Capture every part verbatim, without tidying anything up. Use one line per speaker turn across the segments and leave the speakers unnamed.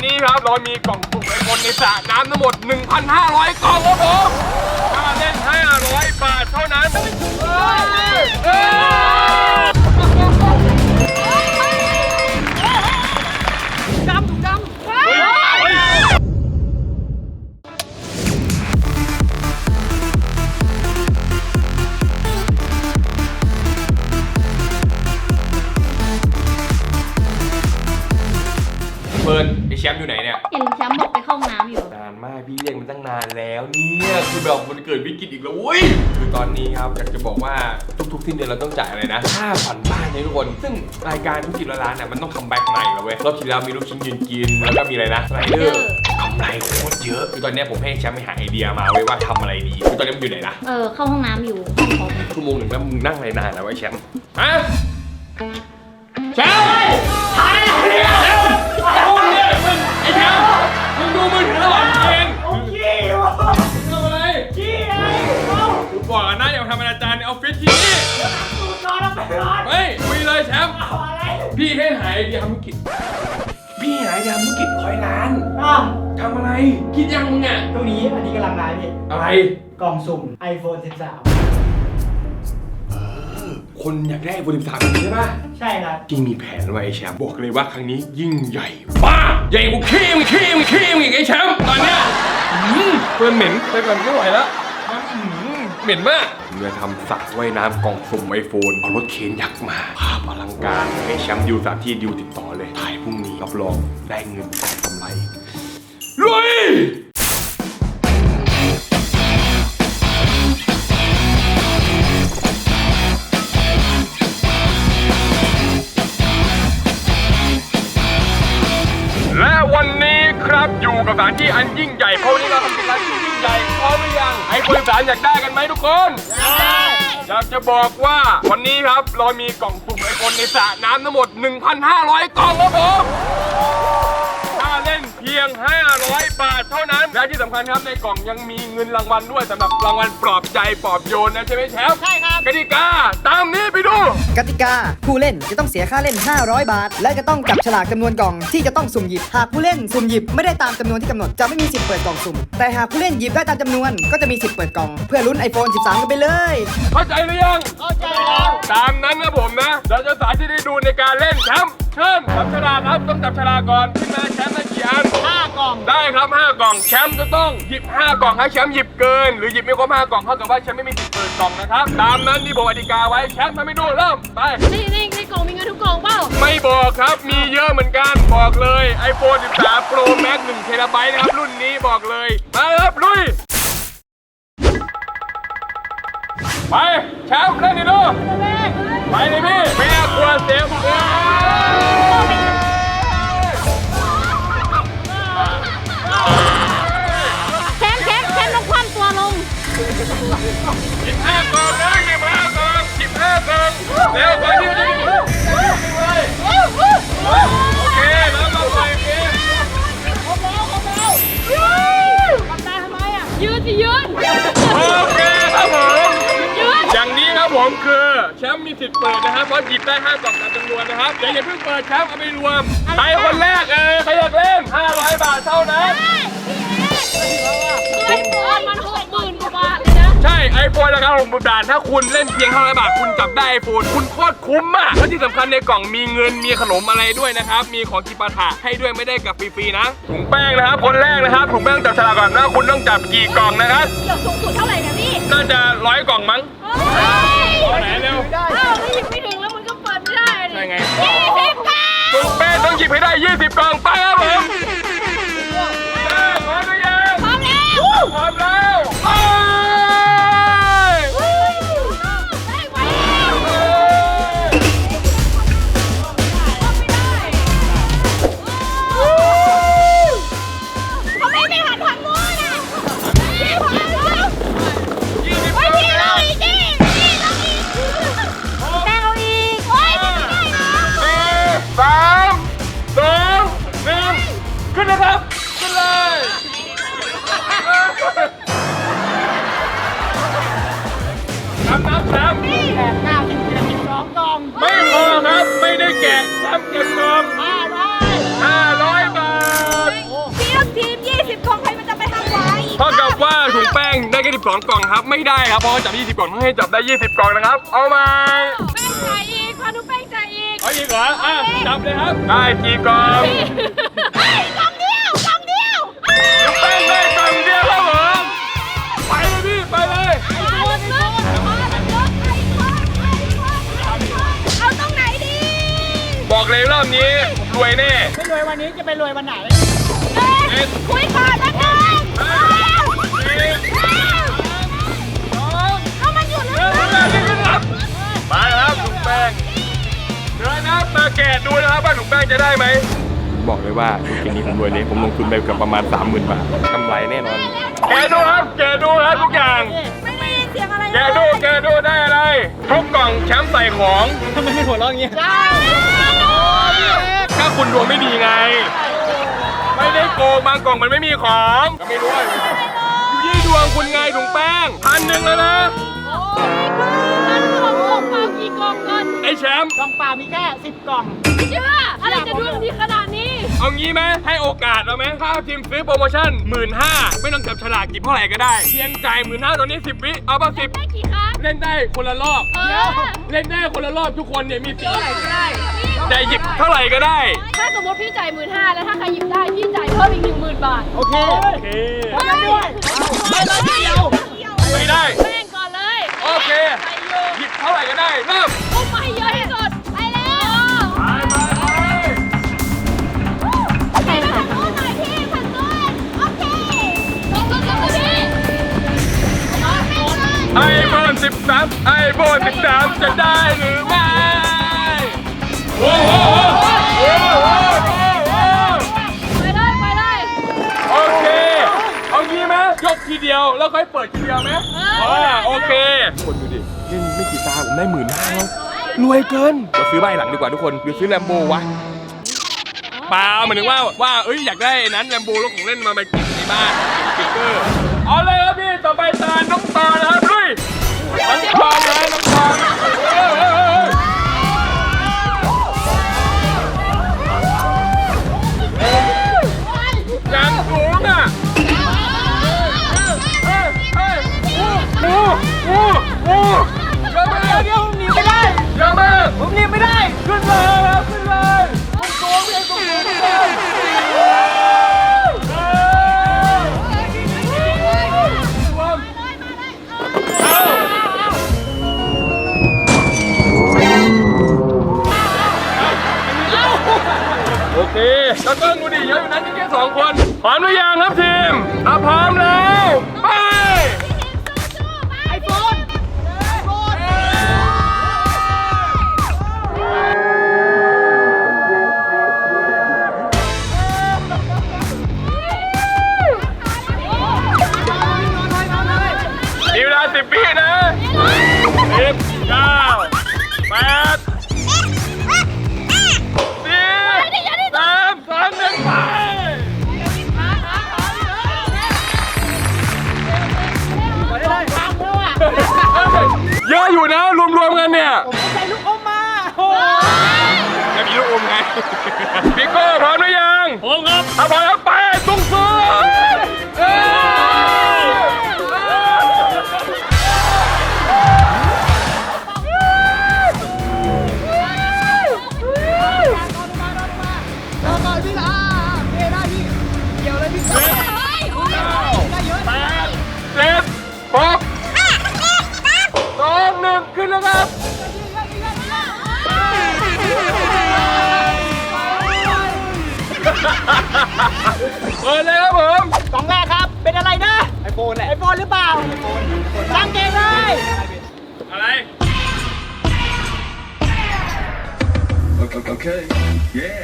นี้ครับเรามีกล่องสุ่มไอโฟนในสระน้ำทั้งหมด หนึ่งพันห้าร้อย กล่องครับผมค่าเล่นห้าร้อยบาทเท่านั้น
ดำถูกดำ
เฟิร์นไอแชมป์อยู่ไหนเนี่ย
เห็นแชมป์บอกไปเข้าห้องน้ำอยู่
นานมากพี่เรียกมันตั้งนานแล้วเนี่ยคือแบบมันเกิดวิกฤตอีกแล้วอุ้ยคือตอนนี้ครับอยากจะบอกว่าทุกๆสิ้นเดือนเราต้องจ่ายอะไรนะค่าผ่อนบ้านเนี่ยทุกคนซึ่งรายการธุรกิจร้านเนี่ยมันต้องทำแบ็คใหม่แล้วเว้ยรอบที่แล้วมีลูกชิ้นยืนกินแล้วก็มีอะไรนะสไลเดอร์กำไรโคตรเยอะคือตอนนี้ผมให้แชมป์ไปหาไอเดียมาไว้ว่าทำอะไรดีคือตอนนี้มันอยู่ไหนนะ
เออเข้าห้องน้ำอยู่ห้องผม
ชั่วโมงหนึ่งแล้วมึงนั่งอะไรนานแล้วไอ้แชมป์ฮะแชมป์หายไปไหนเนี่ยพูดเนี่ยมึงไอ้แชมป์มึงดูมือถือหรอเองโอ้ขี้วะทำอะไรขี้ไงกูบอกนะอย่าทำอนาจารในออฟฟิศที่นี่นอนแล้วไปนอนเฮ้ยคุยเลยแชมป์พี่ให้หายไอเดียธุรกิจพี่หายไอเดียธุรกิจร้อยล้านทำอะไรคิดยังมึงอ่ะ
ตรงนี้อันนี้กำลังมาพี่
อะไร
กล่องสุ่ม ไอโฟน สิบสาม
คนอยากได้ไอโฟนสิบสามใช่ป่ะ
ใช่ครับ
จริงมีแผนไว้ไอ้แชมป์บอกเลยว่าครั้งนี้ยิ่งใหญ่บ้าใหญ่กว่าขี้มขี้มขี้มอีกไอ้แชมป์ตอนเนี้ยเพื่อนเหม็นไปก่อนไม่ไหวแล้วเหม็นมากเมื่อทำสระว่ายน้ำกล่องสุ่มไอโฟนเอารถเคนยักษ์มาภาพอลังการไอ้แชมป์ดิวสามที่ดิวติดต่อเลยถ่ายพรุ่งนี้รับรองได้เงินกำไรลุยและวันนี้ครับอยู่กับสถานที่อันยิ่งใหญ่เพราะวันนี้เราทำเป็นร้านที่ยิ่งใหญ่พร้อมหรือยังไอโฟนสิบสามอยากได้กันไหมทุกคนอยากจะบอกว่าวันนี้ครับเรามีกล่องสุ่มไอโฟนในสระน้ำทั้งหมด หนึ่งพันห้าร้อย กล่องครับผมค่าเล่นเพียงห้าร้อยบาทเท่านั้นและที่สำคัญครับในกล่องยังมีเงินรางวัลด้วยสำหรับรางวัลปลอบใจปลอบโยนนะใช่ไหมแชมป์ใช่ครับกติกาตามนี้ไปดู
กติกาผู้เล่นจะต้องเสียค่าเล่นห้าร้อยบาทและจะต้องจับฉลากจำนวนกล่องที่จะต้องสุ่มหยิบหากผู้เล่นสุ่มหยิบไม่ได้ตามจำนวนที่กำหนดจะไม่มีสิทธิ์เปิดกล่องสุ่มแต่หากผู้เล่นหยิบได้ตามจำนวนก็จะมีสิทธิ์เปิดกล่องเพื่อลุ้น ไอโฟน สิบสาม กันไปเลย
เข้าใจหรือยังเข้าใจแล้วตามนั้นนะผมนะเราจะสาธิตให้ดูในการเล่นแชมป์เชิญจับฉลากครับต้องจับฉลากก่อนขึ้นมาแชมป์ได้กี่อันห้ากล่องได้ครับห้ากล่องแชมป์จะต้องหยิบห้ากล่องให้แชมป์หยิบเกินหรือหยิบไม่ครบห้ากล่องเท่ากับว่าแชมป์ไม่มีสิทธิ์เปิดกล่องนะครับตามนั้นที่ผมอธิกาไว้แชมป์ทำให้ดูเริ่มไป
ในในในกล่องมีเงินทุกกล่องเปล่า
ไม่บอกครับมีเยอะเหมือนกันบอกเลย ไอโฟน สิบสาม Pro Max หนึ่งเทราไบต์นะครับรุ่นนี้บอกเลยมาครับลุยไปแชมป์เล่นดิดูไปเลยพี่ไม่น่ากลัวเสียง
แชมป์แชมป์แชมป์ต้องคว่ำตัวลง
สิบห้ากล่องนะสิบห้ากล่องสิบห้ากล่องเร็วไปดิโอเคแล้วมาไปเกม
ครบแล้วครบแล้วทำได้ทำไมอ่ะยืนสิยืน
โอเคครับผมอย่างนี้ครับผมคือแชมป์มีสิทธิ์เปิดนะครับเพราะหยิบได้ห้ากล่องตามจำนวนนะครับอย่าอย่าเพิ่งเปิดแชมป์เอาไปรวมใครคนแรกเออใครอยากเล่นห้าร้อยบาทเท่านั้น
ไอโฟนมันหกหมื่นกว่าบาทเลยนะ
ใช่ไอโฟนราคาหกหมื่นบาทถ้าคุณเล่นเพียงห้าร้อยบาทคุณจับได้ไอโฟนคุณโคตรคุ้มมากและที่สำคัญในกล่องมีเงินมีขนมอะไรด้วยนะครับมีของกิปาถะให้ด้วยไม่ได้กับฟรีๆนะถุงแป้งนะครับคนแรกนะครับถุงแป้งจับฉลากก่อนนะคุณต้องจับกี่กล่องนะครับ
เดี๋ยวสูงสุดเท่าไหร่เนี่ยพี่
น่าจะร้อยกล่องมั้งเอาไหนเร็ว
อ้าวไม่หยิบไม่ถึงแล้วมันก็เปิดไม่ได้
ใช่ไง
ยี่สิบกล่อง
ถุงแป้งต้องหยิบให้ได้ยี่สิบกล่องไปครับผมพร้อมหรือยัง
พร้อมแล้ว
พร้อมแล้วไปไม่พอครับไม่ได้แกะแชมป์เก็บกล่องห้าร้อยห้าร้อยบาทเท่ากับว่าถุงแป้งได้แค่สิบสองกล่องครับไม่ได้ครับเพราะว่าจับยี่สิบกล่องต้องให้จับได้ยี่สิบกล่องนะครับเอามา
แป้งจ่ายอีกพานุแป้งจ่ายอีก
เอาอีกเหรออ่ะจับเลยครับได้กี่กล่อง
เฮ้ยกล่องเดียวกล่องเดียว
ถุงแป้งได้กล่องเดียวครับผมไปเลยพี่ไปเลย
ไอ้คนไอ้คนไอ้คนไอ้คนไอ้คนเอาตรงไหนดี
บอกเลยรอบนี้รวยแน่
ไม่รวยวันนี้จะไปรวยวันไหน
เอ๊ะคุยก่อนแล้วกัน
ห้าสี่สอง
เอามันอยู่
ห
แล้
นึ่ง
ว
ครับไปครับถุงแป้งเดินนะครับมาแกะดูนะครับว่าถุงแป้งจะได้ไหมบอกเลยว่าธุรกิจนี้ผมรวยเลยผมลงทุนไปเกือบประมาณ สามหมื่น บาทกำไรแน่นอนแกะดูครับแกะดูครับทุกอย่าง
ไม่ได้ยินเสียงอะไร
แกะดูแกะดูได้อะไรทุกกล่องแชมป์ใส่ของ
ทำไมไม่หัวเราะอย่างเงี้ย
ถ้าคุณดวงไม่ดีไง ไม่ได้โกงบางกล่องมันไม่มีของก็ไม่รู้ว่าอยู่ที่ดวงคุณไงถุงแป้งพันหนึ่งแล้วนะ
มันของกล่องเปล่ากี่กล่องก่อน
ไอ้แชมป์
กล่องเปล่ามีแค่สิบกล่อง
ไม่เชื่ออะไรจะดวงดีขนาดนี้
เอางี้ไหมให้โอกาสเราไหมถ้าทีมซื้อโปรโมชั่นหมื่นห้าไม่ต้องจับฉลากหยิบเท่าไหร่ก็ได้เพียงจ่ายหมื่นห้าตอนนี้สิบวิเอาป่ะสิบ
ได้กี่ครั้ง
เล่นได้คนละรอบ
เออ
เล่นได้คนละรอบทุกคนเนี่ยมีสิทธิ์
ได้
แต่หยิบเท่าไหร่ก็ได้
ถ้าสมมติพี่จ่ายหมื่นห้าแล้วถ้าใครหยิบได้พี่จ่ายเพิ่มอีกหนึ่งหมื่นบาท
โอเค
โอเค
พร้อมกันด้วยไปเลยทีเดียว
ไม่ได้
แป้งก่อนเลย
โอเค
ไปอยู่
หยิบเท่าไหร่ก็ได้เริ่ม
พุ่งมาให้เยอะที่สุดไปแล้ว
ไปไปไป
ใครมาทางโน้นหน่อยพี่ทางโน้นโอเคลงลงลงพี่ลงไปเลย
ไอโฟนสิบสามไอโฟนสิบสามจะได้หรือไม่โอ้โหโอ้โหโอ้โห
ไปเลยไปเลย
โอเคเอางี้ไหมยกทีเดียวแล้วค่อยเปิดทีเดียวไหมอ่าโอเคคนดูดิเล่นไม่กี่ตาผมได้หมื่นห้าแล้วรวยเกินเราซื้อใบหลังดีกว่าทุกคนหรือซื้อแลมโบวะเปล่าหมายถึงว่าว่าเอ้ยอยากได้นั้นแลมโบแล้วของเล่นมาไปติดในบ้านสติ๊กเกอร์เอาเลยครับพี่ต่อไปตาน้องตานะครับลุยน้องตาเลยน้องตาเอ้ยเอ้ยเอ้ยอย่างสูงอ่ะโอ้โหโอ้โหเยอะมาก
เดี๋ยวผมหนีไม่ได้
เยอะมาก
ผมหนีไม่ได้
ขึ้นเลยครับขึ้นเลยคุณโกงเองคุณโกงเองโอเคแล้วก็ดูดิเยอะอยู่นั้นนี่แค่สองคนพร้อมหรือยังครับทีมถ้าพร้อมแล้วไป
ไอโฟนไอโฟน
มีเวลาสิบวินะสิบเก้าแปดสี่สามสองหนึ่งไปเยอะอยู่นะรวมๆกันเนี่ย
ผมใส่ลูกอมมาโอ้
จะมีลูกอมไงพี่โก้พร้อมหรือยังพร้อมครับถ้าพร้อมแล้วไปตุ้งสู้เอ้
ต่อต่อพี่ละเฮ้ได้พี่เกี่ยวเลยพี่
เจ็ดเก้าแปดเจ็ดหกสองหนึ่งขึ้นแล้วครับเปิดเลยครับผม
กล่องแรกครับ เป็นอะไรนะไอโฟนแหละไอโฟนหรือเปล่าไอโฟนตั้งเกงเลย
อะไร
Okay. Yeah.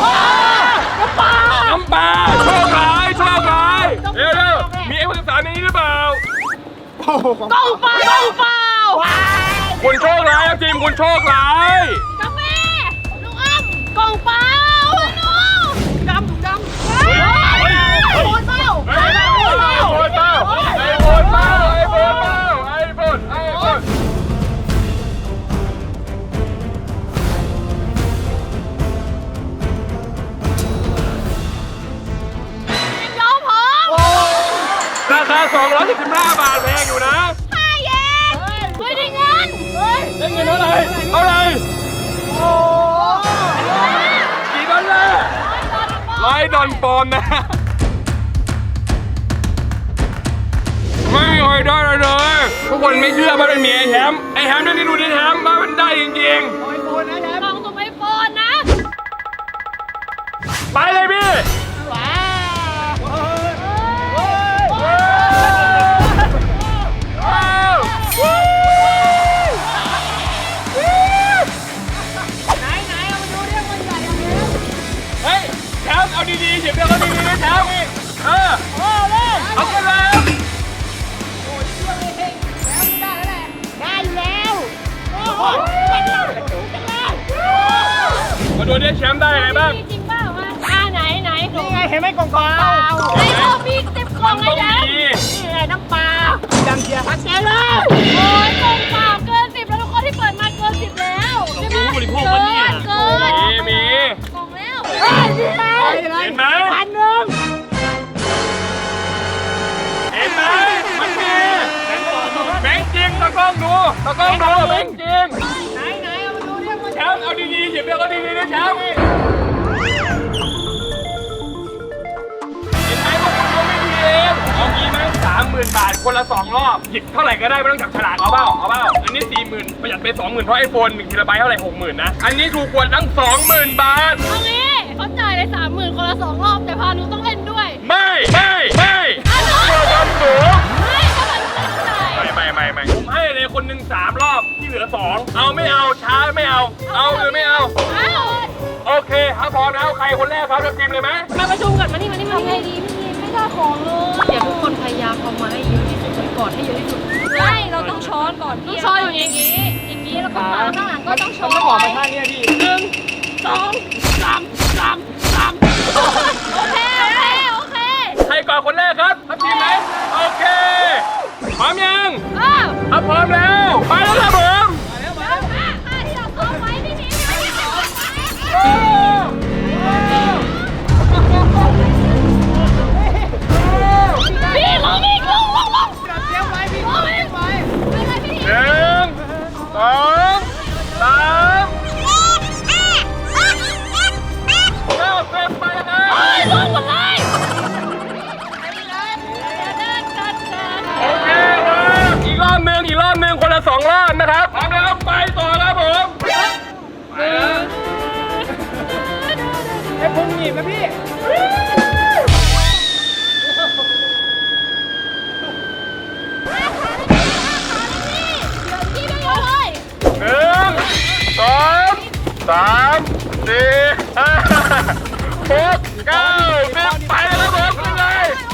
น้ำปลาโชคร้ายโชคร้ายเดี๋ยวเดี๋ยวมีไอ้คนสามในนี้หรือเปล่า
โอ้โหของ
กล่องเปล่ากล่องเปล่า
คุณโชคร้ายครับทีมคุณโชคร้าย
กาแฟลูกอ้ำกล่องเปล่าหนูจำจำเฮ้ยไอโฟนเปล่า
ไอ้โฟนเปล่าไอ้โฟนเปล่าไอ้โฟนเปล่าไอ้โฟนไอ้โฟน
ยอมผม
ราคคาสองร้อยเจ็ดสิบห้าบาทแพงอยู่นะ
ห้าเยนเฮ้ยได้เงินเฮ้ย
ได้เงินเท่าไหร่เท่าไหร่โอ้กี่ดอลลาร์ร้อยดอลปอนด์นะไม่เคยได้เลยเลยทุกคนไม่เชื่อว่าเป็นเมียไอ้แฮมไอ้แฮมนี่ดูดิแฮมว่ามันได้จริง
ไอโฟนนะแชม
ล
ป์
องส่งไอโฟนนะ
ๆไปเลยพี่
ว้าว
ว้าว
ไหนไหนเอามาดูเรื่องมันใหญ่ยังไง
เฮ้ยแชมป์เอาดีๆเดี๋ยวเอาดีๆนะแชมป์เออ
โอ้เลย
เอากันเลย
ได้อยู่แล้วโอ้โห
มาดูดิแชมป์ได้อะไรบ้าง
จริงเปล่าอ่ะอ่าไหนไหน
นี่ไงเห็นไหมกล่องเปล่า
ไอโฟนมีสิบกล่องไอ้แดง
ดี
นี่ไงน้ำปลาดังเชียร์ชัดเจนเลย
โอ้ยกล่องเปล่าเกินสิบแล้วทุกคนที่เปิดมาเกินสิบแล้วใช่ไหมเกินเกิน
มีมี
กล่องแล้ว
เฮ้ยนี่ไง
เห็นไหม
พันหนึ่ง
เห็นไหมมันมีแบงค์จริงตะกล้องดูตะกล้องดูแบงค์จริง
ไหนไหนเอามาดูเรื่องมัน
แชมป์เอาดีๆหยิบเดี๋ยวเอาดีๆนะแชมป์เห็นไหมพวกคุณก็ไม่มีเองเอางี้ไหมสามหมื่นบาทคนละสองรอบหยิบเท่าไหร่ก็ได้ไม่ต้องจับฉลากเอาเปล่าเอาเปล่าอันนี้สี่หมื่นประหยัดไปสองหมื่นเพราะไอโฟนหนึ่งทีละใบเท่าไหร่หกหมื่นนะอันนี้ถูกกว่าตั้งสองหมื่นบาท
เอางี้เขาจ่ายเลยสามหมื่นคนละสองรอบแต่พานุต้องเล่นด้วย
ไม่ไม่ไม่เกิดความสูง
ไม่ถ้าพานุไม่ต้องจ่าย
ไม่ไม่ไม่ไม่ผมให้เลยคนหนึ่งสามรอบที่เหลือสองเอาไม่เอาช้าไม่เอา เอาหรือไม่เอา
อ้าว
โอเคถ้าพร้อมแล้วใครคนแรกครับจะทีมเลยไหม
มาประชุมก่อนมานี่มานี่มาไงดีพี่ไม่ได้ของเลยอยากทุกคนพยายามเอามาให้เยอะที่สุดก่อนให้เยอะที่สุดไม่เราต้องช้อนก่อนต้องช้อนอยู่อย่างนี้อย่างนี้แล้วก็มาข้างหลังก็ต้องช้อน
ต้องบอก
ไว้
มาท่านี้พี่
หนึ่งสองสามสามสามโอเคโอเคโอเค
ใครก่อนคนแรกครับทัพทีมไหมโอเคพร้อมยัง
อ้าว
ถ้าพร้อมแล้วไปแล้วครับผม
แล้วมาค่าที่เราซ้อมไว้พี่หมีพี่หมี
โอ้
พี่ลงอีกลงลงลง
เตรียมไว้พี่
ลง
เตรี
อี
ย
ก
มไว้
ไปเลยพี่หมี
หนึ่งสองสามเก้าเต็มไปนะ
เฮ้ยลงหมดเลยเดินเดินเดิน
โอเคครับอีกรอบหนึ่งอีกรอบหนึ่งคนละสองรอบนะครับพร้อมแล้วไปต่อครับผมไปแล้ว
ไอ้พุงหนีบนะพี่
พี่ไม่รู้เลย
หนึ่งสองสามสี่ห้าหกเก้าสิบไปแล้วครับผมไปเลย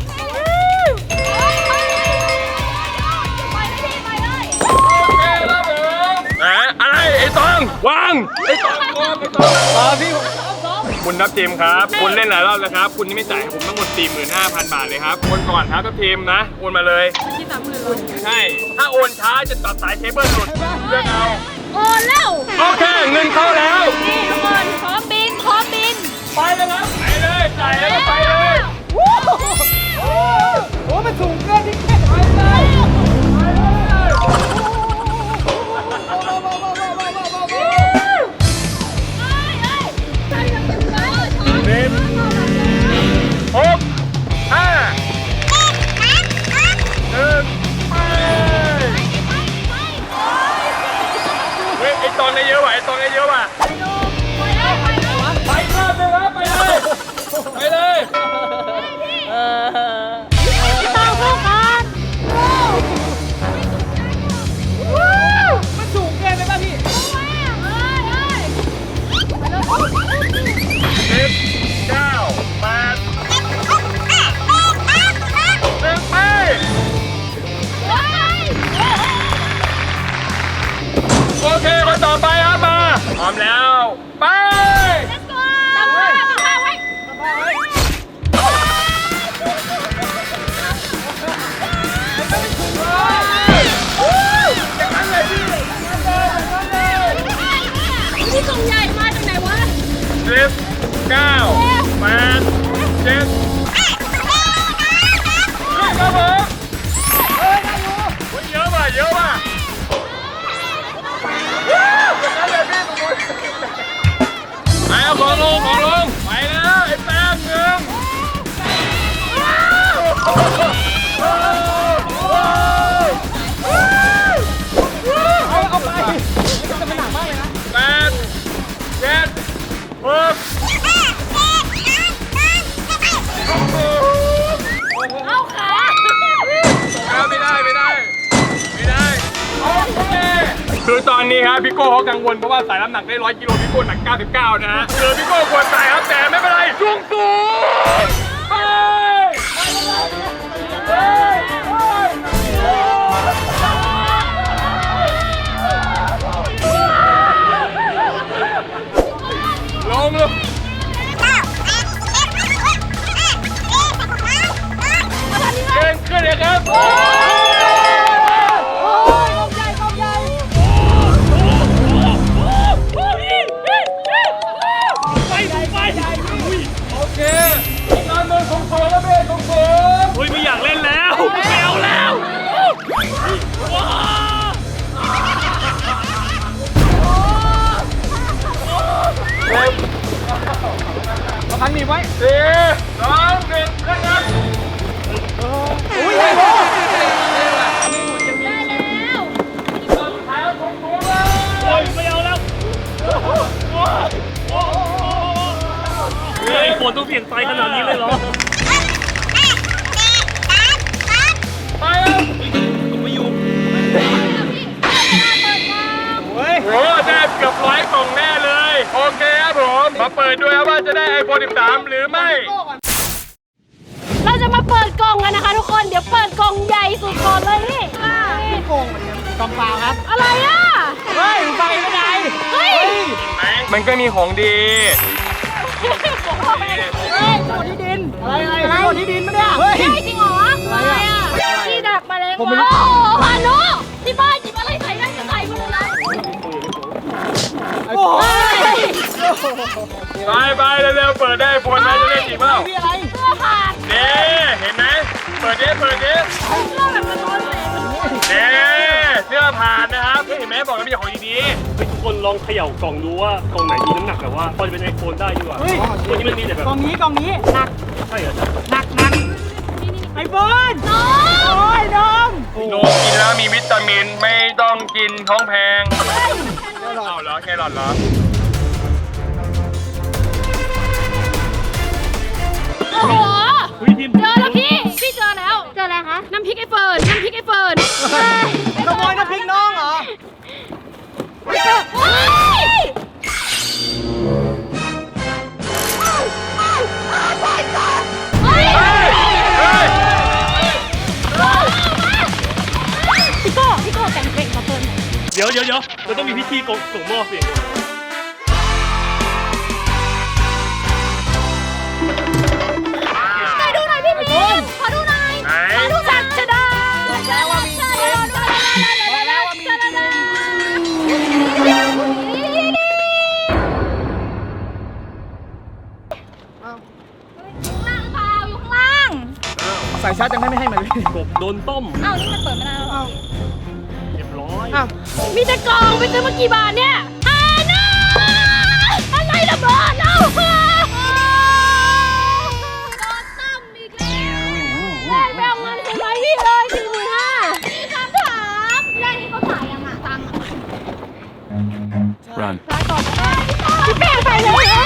ไปเลยพี่ไปเลย
โอเคครับผมนะอะไรไอ้ตองวางไอ้ตองวางไอ้ตอง
รอพี่
คุณทัพทีมครับคุณเล่นหลายรอบแล้วครับคุณยังไม่จ่ายผมทั้งหมด สี่หมื่นห้าพัน บาทเลยครับโอนก่อนครับทัพทีมนะโอนมาเลย
ที่สามหมื่น
ใช่ถ้าโอนช้าจะตัดสายเคเบิลหลุดเลือกเอา
โอนแล้ว
โอเคเงินเข้าแล้ว
นี่ทุกคนพร้อมบินพร้อมบิน
ไปเลยครับไปเลยจ่ายแล้วก็ไปเลย
โอ้โหมันสูงเกินที่แค่ไปเลย
สิบหกห้าหนึ่งไปเฮ้ยไอตอนนี้เยอะว่ะไอตอนนี้เยอะว่ะไปรอบนึงครับไปเลยไปเลยครับพี่โก้เขากังวลเพราะว่าสายน้ำหนักได้ร้อยกิโลพี่โก้หนักเก้าสิบเก้านะฮะเจอพี่โก้ควรตายครับแต่ไม่เป็นไรสูงสูงไปลงลงเก่งขึ้นเลยครับโอเคงานเมืองของผมแล้วเบ้ของผม
เฮ้ยไม่อยากเล่นแล้วไม่เอาแล้ว
มาพันหนีไว้
สี่สองหนึ่งขึ้นครับ
อุ้ยไอ้โบ
ท้ายของผมเลย
เฮ้ยไม่เอาแล้วเฮ้ยฝนต้องเปลี่ยนไฟขนาดนี้เลยเหรอ
ไปครับ
ไม่อยู่
เฮ้ย
โอ้ได้เกือบร้อยกล่องแน่เลย โอเคครับผม มาเปิดด้วยครับว่าจะได้ ไอโฟน สิบสาม หรือไม่
เราจะมาเปิดกล่องกันนะคะทุกคน เดี๋ยวเปิดกล่องใหญ่สุดก่อนเลยนี่
พี่โกงเหมือนกันกองเปล่าครับ
อะไรอ่ะ
เฮ้ยฟังไม่ได้
เฮ้ย
มันก็มีของดี
เฮ้ยโดนที่ดิน อะไรอะไรโดนที่ดินมาเนี่ยเฮ้ย
ใช่จริงเหรออะไรอ่ะที่ดักแมลงวันโอ้โหพานุที่บ้านหยิบอะไรใส่ได้ก็ใส่มาเลยนะ
โอ้ย
ไปไปเร็วๆเปิดได้ ไอโฟนไหมจะเล่นจริงเปล่า
พี่อะไร
เสื้อผ่าน
เด้เห็นไหม เปิดดิเปิดดิ
เสื้อแบบมันโดนแสง
เด้เสื้อผ่านนะครับเห็นไหมบอกแล้วมีของดี
เฮ้ยทุกคนลองเขย่ากล่องดูว่ากล่องไหนมีน้ำหนักแบบว่าพอจะเป็นไอโฟนได้ดีกว่า
เฮ้ย
วันนี้มันมีแต่แบบ
กองนี้กองนี้หนัก
ใช่เหรอ
หนักหนักไอ้บอล
น้อง
โอ้ยน้อง
ๆโนกินแล้วมีวิตามินไม่ต้องกินท้องแพงเอาเหรอแครอทเหรอ
โอ้โห
เฮ้ยทีม
เจอแล้วพี่ พี่เจอแล้ว เจออะไรคะ น้ำพริกไอ้เฟิร์น น้ำพริกไอ้เฟิร์น
ขโมยน้ำพริกน้องเหรอ
โอ้ยเฮ้ย
เฮ้ยเฮ้ย
พี่โก้พี่โก้แต่งเพลงมาเฟิร์น
เดี๋ยวเดี๋ยวเดี๋ยวเราต้องมีพิธีกส่งมอบสิ
ไหนดูหน่อยพี่พีมขอดูหน่อย
ไหน
ขอดูสัตว์ชะดา
แล้วว่ามีเกมบอกแล้วว่ามีเกม
ล่างเปล่าอยู่ข้างล่าง
ใส่ชาร์จยังไม่ไม่ให้มันเลย
กบโดนต้ม
อ้าวนี่มันเปิดไม่ได้หรอ
เรียบร้อย
อ้าว
มีแต่กล่องไปซื้อมากี่บาทเนี่ยฮาน่าอะไรระเบิดเอ้าโดนตั้มอีกแล้วได้แบ่งเงินคุณไว้พี่เลยสี่หมื่นห้ามีคำถามได้ที่เขาจ่ายยังอ่ะตังค์
รัน
จ่ายก่อนได้พี่แป้งใส่เลย